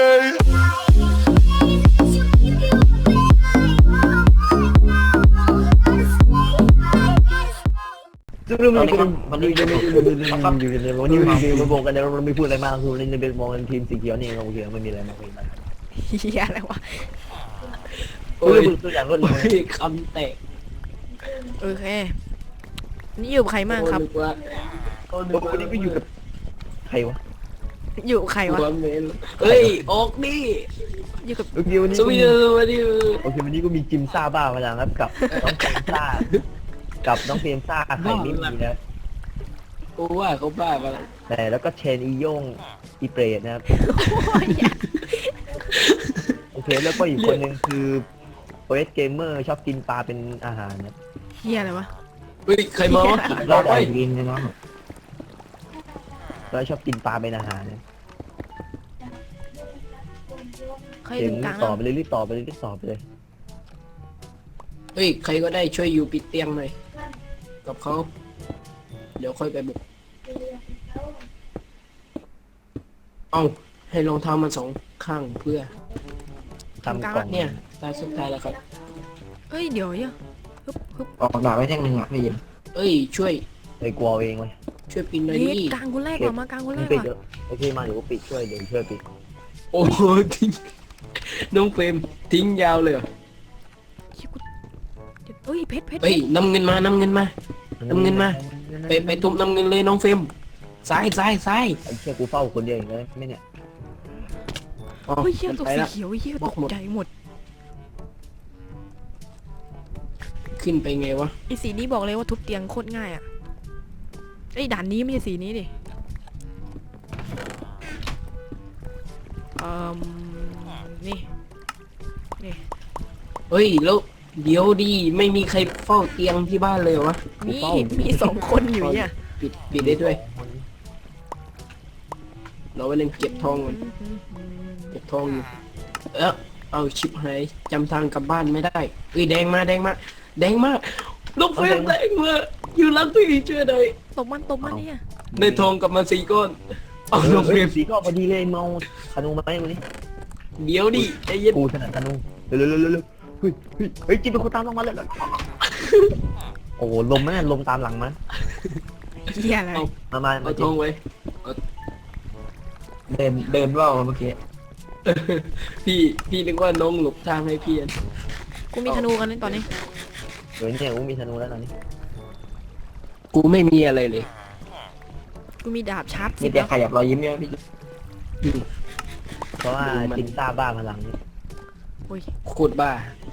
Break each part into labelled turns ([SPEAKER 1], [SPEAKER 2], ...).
[SPEAKER 1] ซึ่งเรื่องนี้มันอยู่ในวันนี้มาบอกกันแล้วเราไม่พูดอะไรมากคือเราจะเป็นมองทีมสีเขียวนี่โอเคไม่มีอะไรมากเลย
[SPEAKER 2] เฮียอะไรวะ
[SPEAKER 1] โอ้ยตัวอย่างรถเลย
[SPEAKER 3] คำแตก
[SPEAKER 2] โอเคนี่อยู่กับใครบ้างครับ
[SPEAKER 1] โอ้วันนี้ก็อยู่กับใครวะ
[SPEAKER 2] อยู่กับใครวะ
[SPEAKER 3] เฮ้ยออกดิ
[SPEAKER 2] อยู่กับ
[SPEAKER 1] โอเควันนี้
[SPEAKER 3] สวีเดนวันนี้
[SPEAKER 1] โอเควันนี้ก็มีจิมซ่าบ้ามาแล้วครับกับน้องเฟมซ่ากับน้องเฟมซ่าไข่ไม่มีนะ
[SPEAKER 3] กูว่าเขาบ้าไปแล้ว
[SPEAKER 1] แต่แล้วก็เชนอีโย่งอีเปรตนะครับโอเคแล้วก็อีกคนหนึ่งคือโอเอสเกมเมอร์ชอบกินปลาเป็นอาหารนะ
[SPEAKER 2] เฮียอะไรวะ
[SPEAKER 3] เฮ้ยใครมาวะ
[SPEAKER 1] เรา
[SPEAKER 3] ไป
[SPEAKER 1] ได้กินนะน้องเราชอบกินปลาเป็นอาหารนะ
[SPEAKER 2] ใคร
[SPEAKER 1] เดี๋
[SPEAKER 2] ถึ
[SPEAKER 1] ยว
[SPEAKER 2] งกลาง
[SPEAKER 1] ต่อไปเลยรีบต่อไปเลยรีบต่อไปเลย
[SPEAKER 3] เฮ้ยใครก็ได้ช่วยอยู่ปิดเตียงหน่อยกับเขาเดี๋ยวค่อยไปบุกเอาให้รองเท้ามันสองข้างเพื่อ
[SPEAKER 1] ทำกล่อง
[SPEAKER 3] เนี่ยตาสุดท้ายแล้วครับ
[SPEAKER 2] เอ้ยเดี๋ยวเนี่ยฮึบ
[SPEAKER 4] ออกดาบไว้แท่งหนึ่งอ่ะพี่ยิน
[SPEAKER 3] เอ้ยช่วย
[SPEAKER 1] ไอ้กลัวเองเลย
[SPEAKER 3] ช่วยปิดหน่อย
[SPEAKER 2] เฮ้ย
[SPEAKER 3] ดิ
[SPEAKER 2] กลางคนแรกก่อนมากลางคนแรก
[SPEAKER 1] ปิด
[SPEAKER 2] ก่อน
[SPEAKER 1] เยอะโอเคมาเดี๋ยวปิดช่วยเดี๋ยวช่วยปิด
[SPEAKER 3] โอ้โหทิ้งน้องเฟรมทิ้งยาวเลยเหรอ
[SPEAKER 2] เชี่ยกูเฮ้ยเพชร
[SPEAKER 3] เฮ้ยนำเงินมาไปทุบนำเงินเลยน้องเฟรมซ้าย
[SPEAKER 1] ไอ้เชี่ยกูเฝ้าคนเดียวเองเลยไม่เนี่ย
[SPEAKER 3] อ๋อ
[SPEAKER 2] เฮ้ยเฮีย
[SPEAKER 3] มัน
[SPEAKER 2] ตก
[SPEAKER 3] ไป
[SPEAKER 2] สี
[SPEAKER 3] ละ
[SPEAKER 2] เขียวเฮีย
[SPEAKER 3] บ
[SPEAKER 2] ต
[SPEAKER 3] อก
[SPEAKER 2] ก
[SPEAKER 3] หมด
[SPEAKER 2] ใจหมด
[SPEAKER 3] ขึ้นไปไงวะ
[SPEAKER 2] ไอ้สีนี้บอกเลยว่าทุบเตียงโคตรง่ายอ่ะไอ้ด่านนี้ไม่ใช่สีนี้ดินี่
[SPEAKER 3] เฮ้ยแล้วเดี๋ยวดีไม่มีใครเฝ้าเตียงที่บ้านเลยเหรอวะ
[SPEAKER 2] มีสองคนอยู่เนี่ย
[SPEAKER 3] ปิดได้ด้วยเราไปเล่นเก็บทองกันเก็บทองอยู่เอาชิปหายจำทางกลับบ้านไม่ได้เอ้ยแดงมาลูกเฟรมแดงมาอยู่หลังพี่ช่วยหน่อย
[SPEAKER 2] ตบมันเนี่ย
[SPEAKER 3] ได้ทองกลับมา4 ก้อนเอาลูกเฟรม
[SPEAKER 1] สีก็พอดีเลยเมาธนูมาไหมวันนี้
[SPEAKER 3] เดี๋ยวดิใจเย็น
[SPEAKER 1] กูถนัดธนูเร็วเฮ้ยจิบเป็นคนตามลงมาเลยโอ้ลมไหมลมตามหลังมั้ย
[SPEAKER 2] เฮียอะไร
[SPEAKER 1] มา
[SPEAKER 3] เอาทองไว้
[SPEAKER 4] เดินว่าวเมื่อกี้
[SPEAKER 3] พี่นึกว่าน้องหลบทางให้พี่
[SPEAKER 2] กูมีธนูกันในตอนนี้
[SPEAKER 1] เดี๋ยวเนี่ยกูมีธนูแล้วตอนนี้
[SPEAKER 3] กูไม่มีอะไรเลย
[SPEAKER 2] กูมีดาบชาร์ป
[SPEAKER 4] มีแต่ขยับรอยยิ้มเนี่ยพี่
[SPEAKER 1] เพราะว่าจิมซ่าบ้าพลังนี่
[SPEAKER 2] โอ้ย
[SPEAKER 3] โคตรบ้า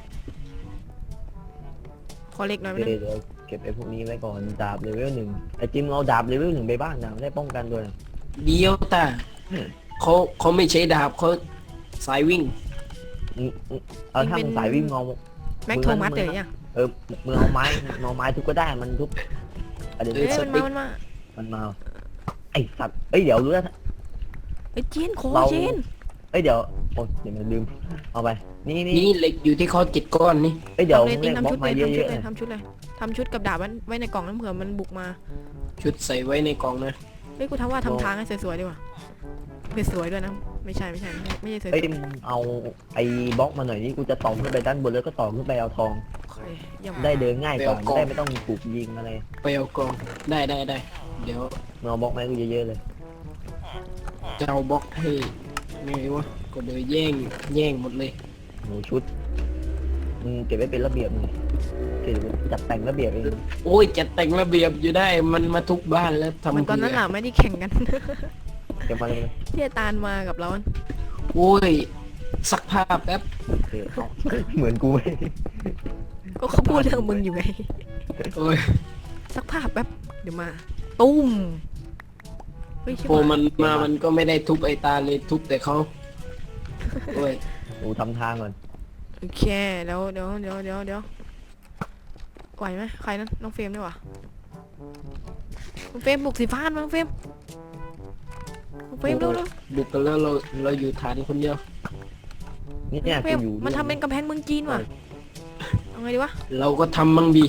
[SPEAKER 2] ขอเล็กหน่อยไหม
[SPEAKER 1] เดี๋ยวเก็บไอ้พวกนี้ไว้ก่อนดาบเลเวล 1ไอ้จิมเอาดาบเลเวล 1ไปบ้างนะได้ป้องกันด้วย
[SPEAKER 3] เดียวตาเขาไม่ใช้ดาบเขาสายวิ่ง
[SPEAKER 1] เอาถ้ามึงสายวิ่งงอ
[SPEAKER 2] แม็กโทมัสเดี๋ยวยัง
[SPEAKER 1] มึงเอาไม้ทุบก็ได้มันทุบเดี๋ยว
[SPEAKER 2] เอ้ยมันมา
[SPEAKER 1] ไอ้สัตว์เดี๋ยวรู้แล้ว
[SPEAKER 2] เอ้ยเจนขอเจน
[SPEAKER 1] เดี๋ยวโอ๊ยเดี๋ยวมันลืมเอาไปนี่
[SPEAKER 3] นี่เหล็กอยู่ที่เขา7 ก้อนนี่
[SPEAKER 1] เดี๋ยว
[SPEAKER 2] ทำเลย
[SPEAKER 1] เล่นบล็อกมาเยอะๆ
[SPEAKER 2] ทำชุดเลยทำชุดกับดาบไว้ในกล่องนั้นเผื่อมันบุกมา
[SPEAKER 3] ชุดใส่ไว้ในกล่องนะ
[SPEAKER 2] เฮ้ยกูทำทางให้สวยๆดีกว่าสวยๆด้วยนะไม่ใช่สวย
[SPEAKER 1] มึงเอาไอ้บล็อกมาหน่อยนี่กูจะต่อขึ้นไปด้านบนแล้วก็ต่อขึ้นไปเอาทอง
[SPEAKER 2] ยัง
[SPEAKER 1] ได้เดินง่ายกว่าได้ไม่ต้องถูกยิงอะไร
[SPEAKER 3] ไปเอากล่องได้เดี๋ยว
[SPEAKER 1] มึงเอาบล็อกมาให้กูเยอะๆเลย
[SPEAKER 3] จะเอาบล็อกให้ไงวะก็เดี๋ยวแย่งหมดเลย
[SPEAKER 1] หนูชุดมึงเก็บไว้เป็นระเบียบเลยเก็บจัดแต่งระเบียบเอง
[SPEAKER 3] โอ้ยจัดแต่งระเบียบอยู่ได้มันมาทุกบ้านแล้วทำ
[SPEAKER 2] เหมือนตอนนั้นแหละไม่ได้แข่งกัน
[SPEAKER 1] เก็บมาเลย
[SPEAKER 2] ที่ตาลมากับเรา
[SPEAKER 3] โอ้ยซักผ้าแป๊บ
[SPEAKER 1] เหมือนกูไหม
[SPEAKER 2] ก็เขาพูดเรื่องมึงอยู่ไง
[SPEAKER 3] โอ้ย
[SPEAKER 2] สักภาพแป๊บเดี๋ยวมาตุ้มเฮ้ย
[SPEAKER 3] พอมันมามันก็ไม่ได้ทุบไอ้ตาเลยทุบแต่เขาโอ้ย
[SPEAKER 1] หนูทำทางก่อน
[SPEAKER 2] โอเคเดี๋ยวไหวไหมใครนั้นน้องเฟรมได้ปะน้องเฟรมบุกสีฟ้าน้องเฟรมเร็ว
[SPEAKER 3] บุกกันแล้วเราอยู่ฐานคนเดียว
[SPEAKER 1] นี่เนี่ย
[SPEAKER 2] เฟร
[SPEAKER 1] กู
[SPEAKER 2] ม
[SPEAKER 1] อยู่
[SPEAKER 2] มันทำเป็นกำแพงเมืองจีนว่ะเอาไงดีวะ
[SPEAKER 3] เราก็ทำมั่งดี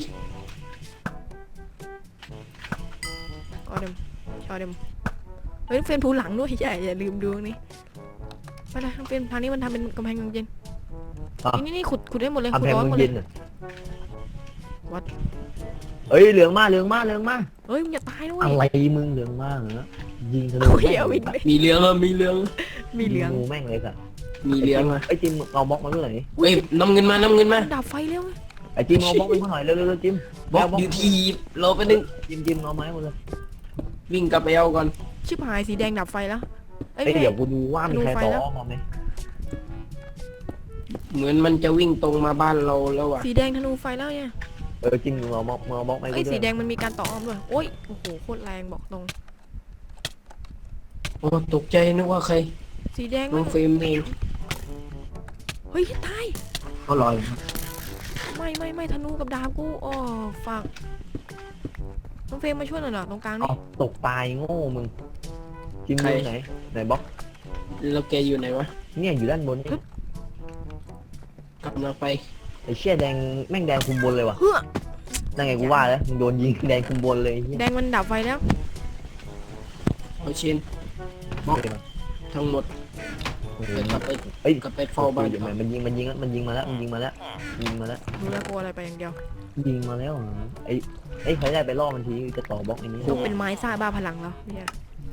[SPEAKER 2] ชอเดมเฮ้ยเฟรมผูหลังด้วยอย่าลืมดูนี่ไปเลยน้องเฟรมทางนี้มันทำเป็นกำแพงเย็น
[SPEAKER 1] อ่ะ
[SPEAKER 2] นี่ขุดได้หมดเลย
[SPEAKER 1] ทำ
[SPEAKER 2] ขุด
[SPEAKER 1] แพง
[SPEAKER 2] ร้อน
[SPEAKER 1] มึ
[SPEAKER 2] หม
[SPEAKER 1] ง
[SPEAKER 2] ดเล
[SPEAKER 1] เย็
[SPEAKER 2] ย
[SPEAKER 1] นอ่ะ
[SPEAKER 2] วัด
[SPEAKER 1] เอ้ยเหลืองมา
[SPEAKER 2] เฮ้ยมึงอย่าตายด้วย
[SPEAKER 1] อะไรมึงเหลืองมากเหรอยิงทะลุ
[SPEAKER 2] โอ้ย
[SPEAKER 1] แม่ง
[SPEAKER 2] เอาอีกเลย
[SPEAKER 3] มีเรื่องอ่ะมีเรื่อง
[SPEAKER 2] มีเหลือง
[SPEAKER 1] งูแม่งเลยสัตว์
[SPEAKER 3] มีเรื่องอ่ะ
[SPEAKER 1] ไอ้จิมเอาบล็อกมาเมื่อไหร่
[SPEAKER 3] เฮ้ยน้ำเงินมาน้ำเงินมา
[SPEAKER 2] ดับไฟเร็ว
[SPEAKER 1] ไอ้จิมเอาบล็อกไปเมื่อไหร่เร็วๆจิม
[SPEAKER 3] บอกอยู่ที่รอไปนึง
[SPEAKER 1] จิมเอาไม้หมดเลย
[SPEAKER 3] วิ่งกลับไปเอาก่อน
[SPEAKER 2] ชิบหายสีแดงดับไฟแล้วเอ้ย
[SPEAKER 1] ไอ้เดี๋ยวกูดูว่ามีใคร
[SPEAKER 2] ดูไฟ
[SPEAKER 1] ต่อ
[SPEAKER 2] แล้ว
[SPEAKER 1] มาไหม
[SPEAKER 3] เหมือนมันจะวิ่งตรงมาบ้านเราแล้วอ่ะ
[SPEAKER 2] สีแดงธนูไฟแล้วเนี่ย
[SPEAKER 1] จิมเอาบล็อกมาเอาบล็อกไป
[SPEAKER 2] ไอ้ย
[SPEAKER 1] กูด้
[SPEAKER 2] สี
[SPEAKER 1] วย
[SPEAKER 2] แดงมันมีการต่ออ้อมด้วยโอ้ยโอ้โหโคตรแรงบอกตรง
[SPEAKER 3] โอ้ตกใจนึกว่าใคร
[SPEAKER 2] สีแดง
[SPEAKER 3] น้องเฟรมเอง
[SPEAKER 2] เฮ้ยตาย
[SPEAKER 4] เขาลอย
[SPEAKER 2] ไม่ธนูกับดาบกูอ๋อฝากน้องเฟรมมาช่วยหน่อยเหรอตรงกลางนี่
[SPEAKER 1] เอาตกตายโง่มึงจิมอยู่ไหนบล็อก
[SPEAKER 3] แล้วแกอยู่ไหนวะ
[SPEAKER 1] เนี่ยอยู่ด้านบนนี่
[SPEAKER 3] กำลังไป
[SPEAKER 1] ไอ้เชี่ยแดงแม่งแดงคุมบนเลยว่ะ
[SPEAKER 2] เฮ้อ
[SPEAKER 1] นั่นไงกูว่าแล้วมึงโดนยิงแดงคุมบนเลยเหี้ย
[SPEAKER 2] แดงมันดับไฟแล้ว
[SPEAKER 3] เอาเชนบอกทั้งหมด
[SPEAKER 1] โอ้โห
[SPEAKER 3] ไปกลับไป
[SPEAKER 1] เอ้ย
[SPEAKER 3] กลับไปเฝ้าบ้าน
[SPEAKER 1] เดี๋ยวมันยิงแล้วมันยิงมาแล้วยิงมาแล้ว
[SPEAKER 2] ดูแลวกลัวอะไรไปอย่างเดียว
[SPEAKER 1] ยิงมาแล้วเหรอไอ้ใครได้ไปล่อมันทีจะต่อบล็อกอันนี้
[SPEAKER 2] ต้องเป็นไม้ซ่าบ้าพลังแล้วเนี่ย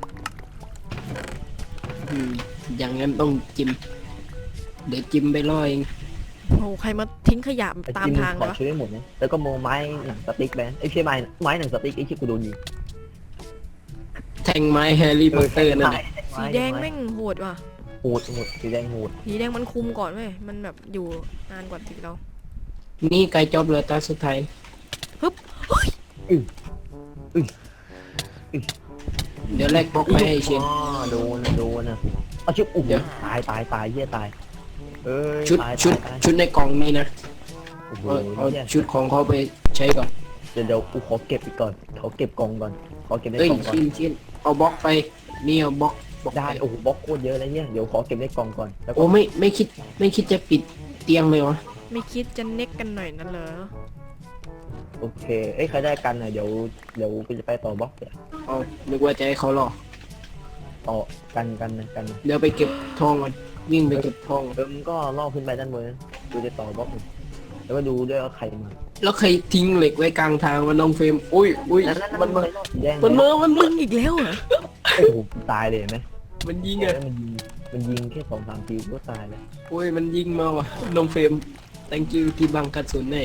[SPEAKER 3] อย่างนั้นต้องจิ้มเดี๋ยวจิ้มไปล่อเอง
[SPEAKER 2] โอ้โหใครมาทิ้งขยะ
[SPEAKER 1] ไอ้
[SPEAKER 2] ตาม
[SPEAKER 1] จิม
[SPEAKER 2] ทาง
[SPEAKER 1] ขอ
[SPEAKER 2] วะ
[SPEAKER 1] ช่วยได้หมดนะแล้วก็โมไม้หนังสติ๊กแบนไอ้เชี่ยไม้หนังสติ๊กไอ้เชี่ยกูโดนยิง
[SPEAKER 3] แทงไม้แฮร์รี่พอตเตอร์นั่นแหละ
[SPEAKER 2] สีแดงแม่งโหดว่ะ
[SPEAKER 1] โหดสีแดงโหด
[SPEAKER 2] สีแดงมันคุมก่อนเว้ยมันแบบอยู่นานกว่าสีเรา
[SPEAKER 3] นี่ไกลจอบเหลือตาสุดท้ายเดี๋ยวแลกบล็อกไปให้เชน
[SPEAKER 1] อ๋อโดนนะเอาชิบอุ้ย
[SPEAKER 3] เดี๋ยว
[SPEAKER 1] ตายเหี้ยตายเอ้ย
[SPEAKER 3] ชุด
[SPEAKER 1] ตาย
[SPEAKER 3] ชุดในกล่องนี้นะ
[SPEAKER 1] โอ้โห
[SPEAKER 3] เอา
[SPEAKER 1] เหี้ย
[SPEAKER 3] ชุดของเขาไปใช้ก่อน
[SPEAKER 1] เดี๋ยวกูขอเก็บอีกก่อนขอเก็บกล่องก่อนขอเก็บใน
[SPEAKER 3] เอ้ย
[SPEAKER 1] กล่องก่อน
[SPEAKER 3] ชินเอาบล็อกไปนี่เอาบล็อก
[SPEAKER 1] ได้
[SPEAKER 3] ไป
[SPEAKER 1] โอ้โหบล็อกโคตรเยอะเลยเนี่ยเดี๋ยวขอเก็บในกล่องก่อนแล้วก็
[SPEAKER 3] โอ้ไม่คิดจะปิดเตียงเลยวะ
[SPEAKER 2] ไม่คิดจะเน็กกันหน่อยนั่นเหรอ
[SPEAKER 1] โอเคเอ้ยใครได้กันหน่อยเดี๋ยวกูจะไปต่อบล็อกเดี๋ยว
[SPEAKER 3] เอานึกว่าจะให้เขารอ
[SPEAKER 1] ต่อกันนะ
[SPEAKER 3] เดี๋ยวไปเก็บทองก่อนวิ่งไปเก็บทอง
[SPEAKER 1] มึงก็ล่อขึ้นไปด้านบนนะกูจะต่อบล็อกอยู่แล้วก็ดูด้วยว่าใครมา
[SPEAKER 3] แล้วใครทิ้งเหล็กไว้กลางทางวะน้องเฟรมอุ้ย
[SPEAKER 1] นั่น
[SPEAKER 3] มันมา
[SPEAKER 1] สีแดง
[SPEAKER 3] มัน
[SPEAKER 2] มึงอีกแล้วเหรอ
[SPEAKER 1] โอ้โหตายเลยเห็นไหม
[SPEAKER 3] มันยิง
[SPEAKER 1] เอ
[SPEAKER 3] อ่ะ
[SPEAKER 1] อมันยิงแค่2-3 ทีก็ตายแล้ว
[SPEAKER 3] โอ้ยมันยิงมาว่ะน้องเฟรม thank you ที่บังกระสุนเลย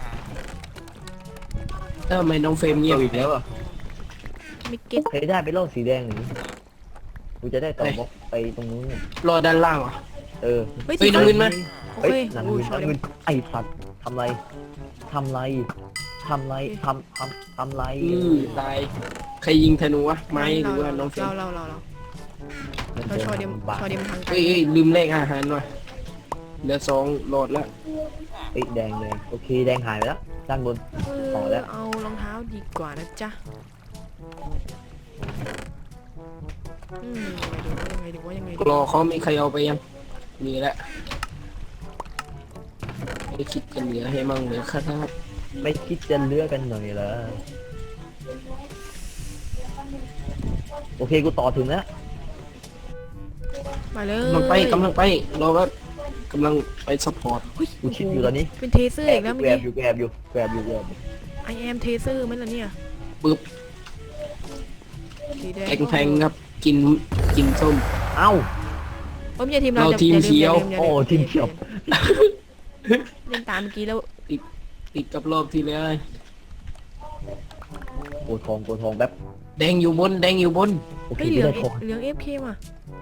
[SPEAKER 3] ทำไมน้องเฟรมเงียบอีกแล้วอ่ะ
[SPEAKER 2] ไม่เก็ต
[SPEAKER 1] ใครได้ไปล่อสีแดงหรือกูจะได้ต่อบล็อกไปตรงนู้นเนี่ย
[SPEAKER 3] รอด้านล่างอ่ะ
[SPEAKER 1] เออ
[SPEAKER 2] เฮ้ย
[SPEAKER 3] เฮ้
[SPEAKER 2] สี
[SPEAKER 3] ย
[SPEAKER 2] ฟ้า
[SPEAKER 3] น้ำเงินมา
[SPEAKER 2] โอ
[SPEAKER 1] เฮ้
[SPEAKER 2] เค
[SPEAKER 1] ยหนัง
[SPEAKER 2] โอ้
[SPEAKER 1] เงิ
[SPEAKER 2] ย
[SPEAKER 1] น
[SPEAKER 2] ชอบ
[SPEAKER 1] เงินไอ้สัตว์ทำไรทำไร
[SPEAKER 3] ตายใครยิงธนูวะไม้หรือว่าน้องเฟรม
[SPEAKER 2] เราชอเดียมทางไกล
[SPEAKER 3] เฮ้ยลืมเลขอาหารว่ะเหลือ2โหลดละ
[SPEAKER 1] เอ้ยแดงเลยโอเคแดงหายไปแล้วด้านบน ต่อแล้ว
[SPEAKER 2] เอารองเท้าดีกว่านะจ๊ะยังไงดีวะยังไงดี
[SPEAKER 3] รอเขามีใครเอาไปยังนี่แหละไม่คิดจะเหลือให้มั่งเหลือครับ
[SPEAKER 1] ไม่คิดจะเลือกกันหน่อยเหรอโอเคกูต่อถึงแล้ว
[SPEAKER 2] มาเลย
[SPEAKER 3] กำลังไปรอว่ากำลังไปซัพพอร์ต
[SPEAKER 2] เฮ้ย
[SPEAKER 1] กูคิดอยู่ตอนนี้
[SPEAKER 2] เป็นเทเซอร์อีกแล้วเมื่อ
[SPEAKER 1] แกร
[SPEAKER 2] กี้
[SPEAKER 1] บอยู่
[SPEAKER 2] I am เทเซอร์ไหมล่ะเนี่ย
[SPEAKER 3] ปึ๊บ
[SPEAKER 2] สีแดง
[SPEAKER 3] แข็งๆครับกินส้ม
[SPEAKER 1] เอ้า
[SPEAKER 2] ผมอย่าทีมเรา
[SPEAKER 3] เราทีมเขียว
[SPEAKER 1] โอ้ทีมเขียว
[SPEAKER 2] เล่นตามเมื่อกี้แล้ว
[SPEAKER 3] ติดกับรอบที่แล้ว
[SPEAKER 1] โกทองแบบ
[SPEAKER 3] แดงอยู่บน
[SPEAKER 1] โอเค
[SPEAKER 2] เฮ้ยเห
[SPEAKER 1] กู
[SPEAKER 2] ลือง
[SPEAKER 1] ได้ทอง
[SPEAKER 2] เหลือง AFK ว่ะ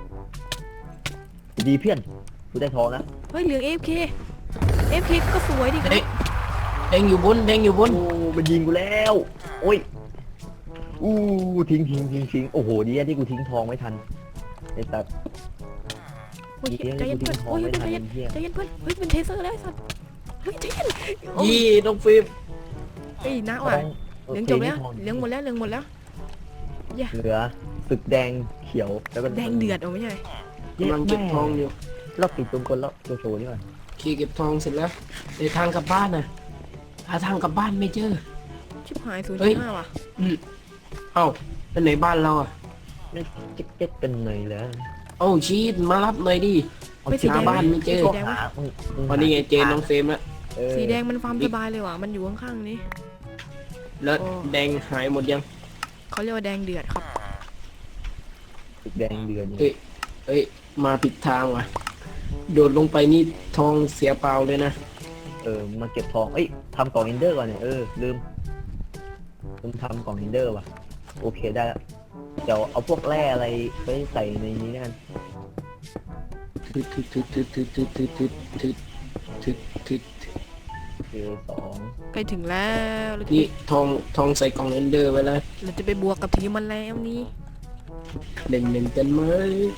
[SPEAKER 1] ดีเพื่อนกูได้ทองนะ
[SPEAKER 2] เฮ้ยเหลือง AFK ก็สวยดิ
[SPEAKER 3] แดงอยู่บน
[SPEAKER 1] โอ้มันยิงกูแล้วโอ้ยอู้ทิ้งโอ้โหดีอะที่กูทิ้งทองไม่ทันไอ้สัตว์
[SPEAKER 2] โอ้ย
[SPEAKER 1] ดีอะ
[SPEAKER 2] ใจ
[SPEAKER 1] ที่
[SPEAKER 2] เย็น
[SPEAKER 1] กู
[SPEAKER 2] เพื่
[SPEAKER 1] ทิ้
[SPEAKER 2] อน
[SPEAKER 1] งทอง
[SPEAKER 2] โอ้ย
[SPEAKER 1] ไม่ทัน
[SPEAKER 2] ใจเย็น
[SPEAKER 1] เหี้ย
[SPEAKER 2] ใจเย็นเพื่อนเฮ้ยเป็นเทเซอร์แล้วไอ้สัตว์เฮ้ยใจเย็นโอ้ย
[SPEAKER 3] ยี่น้องฟิล์ม
[SPEAKER 2] เฮ้ยนะว่ะเหลืองจบแล้วเหลืองหมดแล้วอย่า
[SPEAKER 1] เหลือศึกแดงเขียวแล้วก็
[SPEAKER 2] แดงเดือดเอาไม่ใช่
[SPEAKER 3] กำลังเก็บทองอยู่
[SPEAKER 1] รอบติดตรงคนแล้วโชว์นี่ก่อน
[SPEAKER 3] ขี่เก็บทองเสร็จแล้วในทางกลับบ้านน่ะหาทางกลับบ้านไม่เจอ
[SPEAKER 2] ชิบหาย0.5ว่ะ
[SPEAKER 3] เอ้าเป็นไหนบ้านเราอ่ะ
[SPEAKER 1] ไม่เจ๊กเป็นหน่อยแล้ว
[SPEAKER 3] เอ้าชีดมารับหน่อยดิ
[SPEAKER 2] ไม่สีแดง
[SPEAKER 3] หาบ้านไม่เจอ
[SPEAKER 2] สีแดง
[SPEAKER 1] หามึง
[SPEAKER 3] วันนี้ไงเจอน้องเฟรมแล้ว
[SPEAKER 1] เออ
[SPEAKER 2] สีแดงมันฟาร์มสบายเลยว่ะมันอยู่ข้างๆนี้
[SPEAKER 3] แล้ว
[SPEAKER 2] โอ้
[SPEAKER 3] แดงหายหมดยัง
[SPEAKER 2] เขาเรียกว่าแดงเดือดครับ
[SPEAKER 1] สีแดงเดือน
[SPEAKER 3] เอ้ยเอ้ยมาผิดทางว่ะโดดลงไปนี่ทองเสียเปล่าเลยนะ
[SPEAKER 1] มาเก็บทองเอ้ยทำกล่องอินเดอร์ก่อนเนี่ยลืมทำกล่องอินเดอร์ว่ะโอเคได้แล้วเดี๋ยวเอาพวกแร่อะไรไปใส่ในนี้แล้วกัน
[SPEAKER 3] ทึดทึดทึดทึดทึดทึดทึดทึดทึดทึดทึด
[SPEAKER 1] สอง
[SPEAKER 2] ใกล้ถึงแล้วเราจะ
[SPEAKER 3] นี่ทองใส่กล่องเรนเดอร์ไว้แล้ว
[SPEAKER 2] เราจะไปบวกกับทีมมันแล้วนี่
[SPEAKER 3] เด่นเด่นกันไหม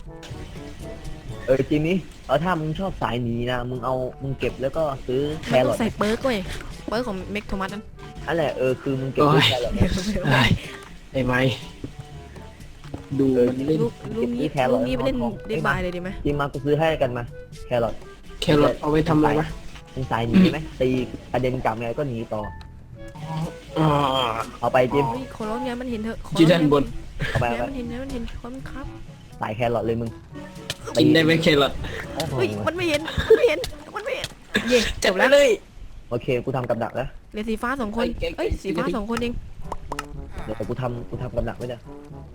[SPEAKER 1] จริงนี่ถ้ามึงชอบสายหนีนะมึงเก็บแล้วก็ซื้อแค
[SPEAKER 2] มัน
[SPEAKER 1] ร
[SPEAKER 2] ต้
[SPEAKER 1] อ
[SPEAKER 2] อ
[SPEAKER 1] ท
[SPEAKER 2] งใส่เปิร์กเว้ยเปิร์กของเมกโทมัสนั่น
[SPEAKER 1] นั่นแหละคือมึงเก็บซื้อแครอทเนี่ย
[SPEAKER 3] ไอ้ไม้ดูมันเล่น
[SPEAKER 2] ลูกนี้ไปเล่นเดดบายเลยดีไหม
[SPEAKER 1] จริงมากูซื้อให้กันมาแครอท
[SPEAKER 3] แครอทเอาไว้ทำอะไรวะ
[SPEAKER 1] มึงสายหนีไหมตีกระเด็นกลับไงก็หนีต่อ
[SPEAKER 3] อ่า
[SPEAKER 1] เอาไปจิม
[SPEAKER 2] เฮ้ยขอร้องอย่ามันเห็นเถอะขอ
[SPEAKER 3] ที่ด้านบน
[SPEAKER 1] เอาไป
[SPEAKER 2] อย่า
[SPEAKER 1] เอาไป
[SPEAKER 2] มันเห็นอย่ามันเห็นความนครับ
[SPEAKER 1] สายแครอทเลยมึง
[SPEAKER 3] กินได้ไหมแครอท
[SPEAKER 1] โอ้โห
[SPEAKER 2] เฮ้ยมันไม่เห็นมันไม่เห็นมันไม่เห็นเย่จบแล้ว
[SPEAKER 3] เลย
[SPEAKER 1] โอเคกูทำกับดักแล้ว
[SPEAKER 2] เหลือสีฟ้า2 คนเอ้ยสีฟ้า2 คนเอง
[SPEAKER 1] เดี๋ยวกูทำกับดักไว้เดี๋ยว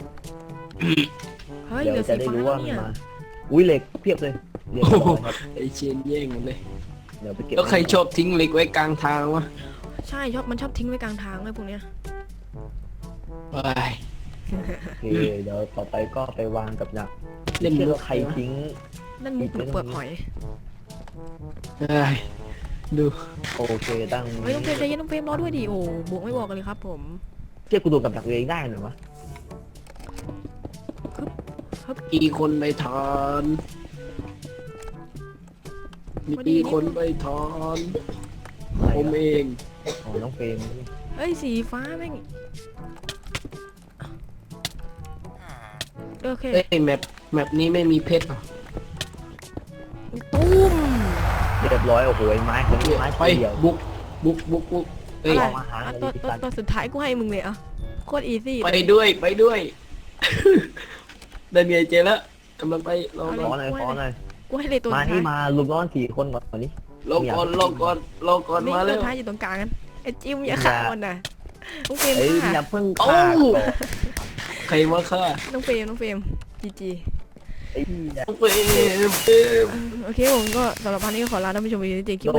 [SPEAKER 2] เฮ้ย
[SPEAKER 1] เดี๋
[SPEAKER 2] เหลื
[SPEAKER 1] ย
[SPEAKER 2] อ
[SPEAKER 1] วจะ
[SPEAKER 2] สี
[SPEAKER 1] ได้
[SPEAKER 2] ฟ้า
[SPEAKER 1] รู้
[SPEAKER 2] แล้
[SPEAKER 1] ว่าว มัน
[SPEAKER 2] เนี่ย
[SPEAKER 1] มาอุ้ยเหล็กเพียบเลยเหล็กเอาไว้ครับ
[SPEAKER 3] ไอเชนแย่งหมดเลย
[SPEAKER 1] เดี๋ยวไปเก็บ
[SPEAKER 3] แล้วใครชอบทิ้งเหล็กไว้กลางทางวะ
[SPEAKER 2] ใช่มันชอบทิ้งไว้กลางทางเลยพวกเนี้ย
[SPEAKER 3] ไป
[SPEAKER 1] โอเคเดี๋ยวต่อไปก็ไปวางกับดัก
[SPEAKER 3] เล่น
[SPEAKER 1] เชื่อ
[SPEAKER 3] มุก
[SPEAKER 1] ว่าใครทิ้ง
[SPEAKER 2] นั่นมุกหรือเปลือกหอย
[SPEAKER 3] เอ้ยดู
[SPEAKER 1] โอเคตั้ง
[SPEAKER 2] เฮ้ยน้องเฟรมใจเย็นน้องเฟรมรอด้วยดิโอ้บวกไม่บอกกันเลยครับผม
[SPEAKER 1] เชื่อกูดูกับดักตัวเองได้หรือวะ
[SPEAKER 3] มีคนไปทานมีคนไปทานผมเอง
[SPEAKER 1] อ๋อน้องเฟรม
[SPEAKER 2] เฮ้ยสีฟ้าแม่งโอเค
[SPEAKER 3] เอ้ยแมปนี้ไม่มีเพชรเหรอ
[SPEAKER 2] ตุ้ม
[SPEAKER 1] เรียบร้อยโอ้โหไม้คนนี้ไม้
[SPEAKER 3] ไป
[SPEAKER 1] เดียว
[SPEAKER 3] บุกเอ้ย
[SPEAKER 2] อะไร
[SPEAKER 1] อาหาร
[SPEAKER 2] อ่ะ
[SPEAKER 1] อะไร
[SPEAKER 2] ตัว
[SPEAKER 1] ที่
[SPEAKER 2] ตัว
[SPEAKER 1] ตัน
[SPEAKER 2] ตัวสุดท้ายกูให้มึงเลยอ่ะโคตรอีซี่
[SPEAKER 3] ไปด้วยเดินไงเจแล้วกำลังไปรอ
[SPEAKER 1] ข
[SPEAKER 3] ก่
[SPEAKER 1] อ
[SPEAKER 3] อน
[SPEAKER 1] หน่อยขอหน่อย
[SPEAKER 2] กูให้เลยตัว
[SPEAKER 1] มา
[SPEAKER 2] สุด
[SPEAKER 1] ที่
[SPEAKER 2] ท้าย
[SPEAKER 1] มาลุมร้อน4 คนก่อนนี้
[SPEAKER 3] รอก่อน
[SPEAKER 2] นี่
[SPEAKER 3] มา
[SPEAKER 2] ตั
[SPEAKER 3] แล้ว ว
[SPEAKER 2] สุดท้ายอยู่ตรงกลางกันไอ้จิ้มอย่าฆ่ามันนะน้องเฟรม
[SPEAKER 1] เอ้ย
[SPEAKER 2] ฆ่า
[SPEAKER 1] อย่าเพิ่ง
[SPEAKER 3] โอ้
[SPEAKER 1] ฆ่าก่อน
[SPEAKER 3] ใครมาฆ่า
[SPEAKER 2] น้องเฟรมจี
[SPEAKER 1] ไอ้เหี้ย
[SPEAKER 3] เฟรม
[SPEAKER 2] โอเคผมก็สำหรับวันนี้ก็ขอลาท่านผู้ชมไปที่เจคิว